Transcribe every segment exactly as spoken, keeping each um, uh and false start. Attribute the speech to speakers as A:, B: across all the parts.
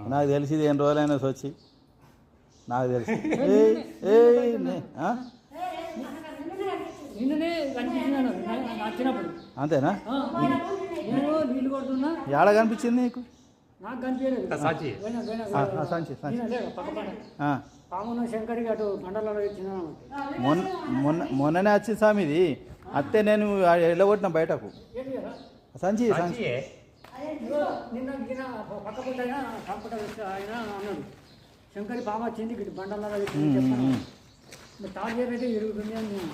A: నాకు తెలిసి ఎన్ని రోజులైనా వచ్చి నాకు తెలిసి ఏయ్, ఏయ్, నే- ఆ?
B: నిన్ననే కనిపించినాను వచ్చినప్పుడు
A: అంతేనా
B: నేను నీళ్ళు కొడుతున్నా
A: ఏడ కనిపించింది నీకు
B: నాకు కనిపించలేదు
C: సాచి
B: పోయినా, పోయినా,
A: ఆ,
B: పోయినా.
A: ఆ, సంచి సంచి
B: నిన్న లేదు, పక్క పక్కన.
A: ఆ.
B: పామున్న శంకర్కి అటు మండలంలో ఇచ్చిన
A: మొన్న మొన్న మొన్ననే వచ్చింది స్వామి ఇది అత్తే నేను వెళ్ళగొట్టిన బయటకు
B: ఏంటి కదా
A: సంచి సంచి
C: సాచియే
B: ఇదిగో నిన్న గిన పక్క పూట అయినా కంప్యూటర్ ఆయన అన్నాడు శంకరి పాము వచ్చింది ఇటు బండల్లో ఇచ్చింది చెప్తాను మరి తాజేపు అయితే ఇరుగుతుంది అని నేను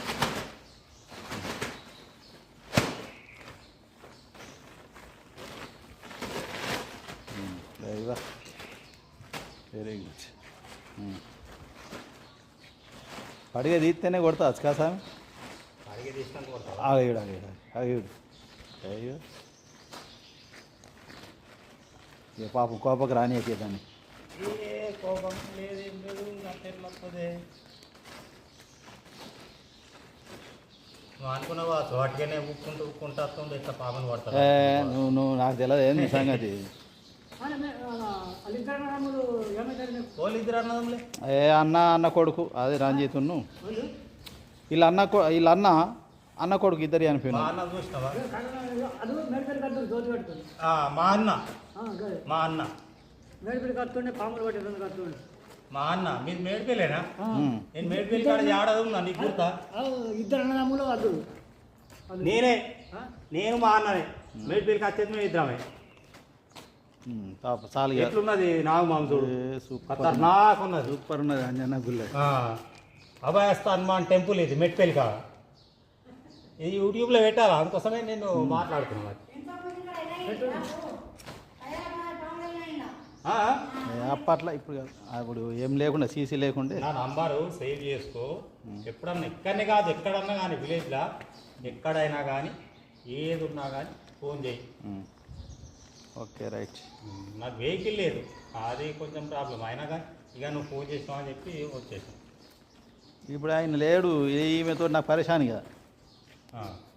A: వెరీ గుడ్ పడిగే తీస్తేనే కొడతావచ్చు కదా స్వామి
C: అడిగే తీసుకొని కొడతావా?
A: ఆగేడు ఆగేడు ఆగేడు అయ్యో ఇక పాపం కోపకు రానియకే దాన్ని
C: ఏ కోపం లేదు ఏం లేదు అట్లా వస్తుంది నువ్వు అనుకున్నావా చోటుగానే ఉక్కుంటూ ఉక్కుంటూ వస్తుంది ఇట్లా పాపని పడతావు
A: ఏ, నువ్వు నువ్వు నాకు తెలియదు ఏంది సంగతి
B: వాళ్ళిద్దరు రాములు ఏమవుతారు నీకు
C: వాళ్ళు ఇద్దరు అన్నదంలే
A: ఏ అన్న అన్న కొడుకు అదే రంజిత్ను
B: వాళ్ళు
A: వీళ్ళ అన్న కొ- వీళ్ళ అన్న అన్న కొడుకు ఇద్దరు
C: మా
A: చనిపోయినా
C: అన్న చూసినావా
B: అది మేడిపల్లి కడుతుంది దోతి కట్టుతుంది
C: ఆ, మా అన్న
B: గదే
C: మా అన్న
B: మేడిపల్లి కడుతుండే పాములు పట్టి రెండు కడుతుండే
C: మా అన్న మీరు మేడిపోయలేనా
A: ఉమ్.
C: నేను మేడిపోయి కాడ ఆడదు ఉన్నా నీకు గుర్తా
B: ఇద్దరు అన్నదమ్ములు వద్దు
C: నేనే నేను మా అన్ననే మేడిపోయికి వచ్చేది మేము ఇద్దరమే
A: ఉమ్, పాప చాలు ఇక.
C: ఎట్లున్నది నాగు మాంసుడు
A: ఏ, సూపర్
C: ఖతర్నాక్ ఉన్నది
A: సూపర్ ఉన్నది అంజన్న గుళ్ళ
C: ఆ, అభయస్థ హనుమాన్ టెంపుల్ ఇది మెట్పల్లి కాడ ఇది యూట్యూబ్లో పెట్టాలా అందుకోసమే నేను మాట్లాడుతున్నాను ఆ,
A: ఏ, అప్పట్లో ఇప్పుడు కాదు. అప్పుడు ఏం లేకుండా సీసీ లేకుండే
C: నా నంబరు సేవ్ చేసుకో ఎప్పుడన్నా ఎక్కడనే కాదు ఎక్కడన్నా కానీ విలేజ్లో ఎక్కడైనా కానీ ఏది ఉన్నా కానీ ఫోన్ చేయి
A: ఉమ్. ఓకే రైట్
C: నాకు వెహికల్ లేదు అది కొంచెం ప్రాబ్లం అయినా కానీ ఇక నువ్వు ఫోన్ చేసినావు అని చెప్పి వచ్చేసాను
A: ఇప్పుడు ఆయన లేడు ఈమెతో నాకు పరేషాన్ కదా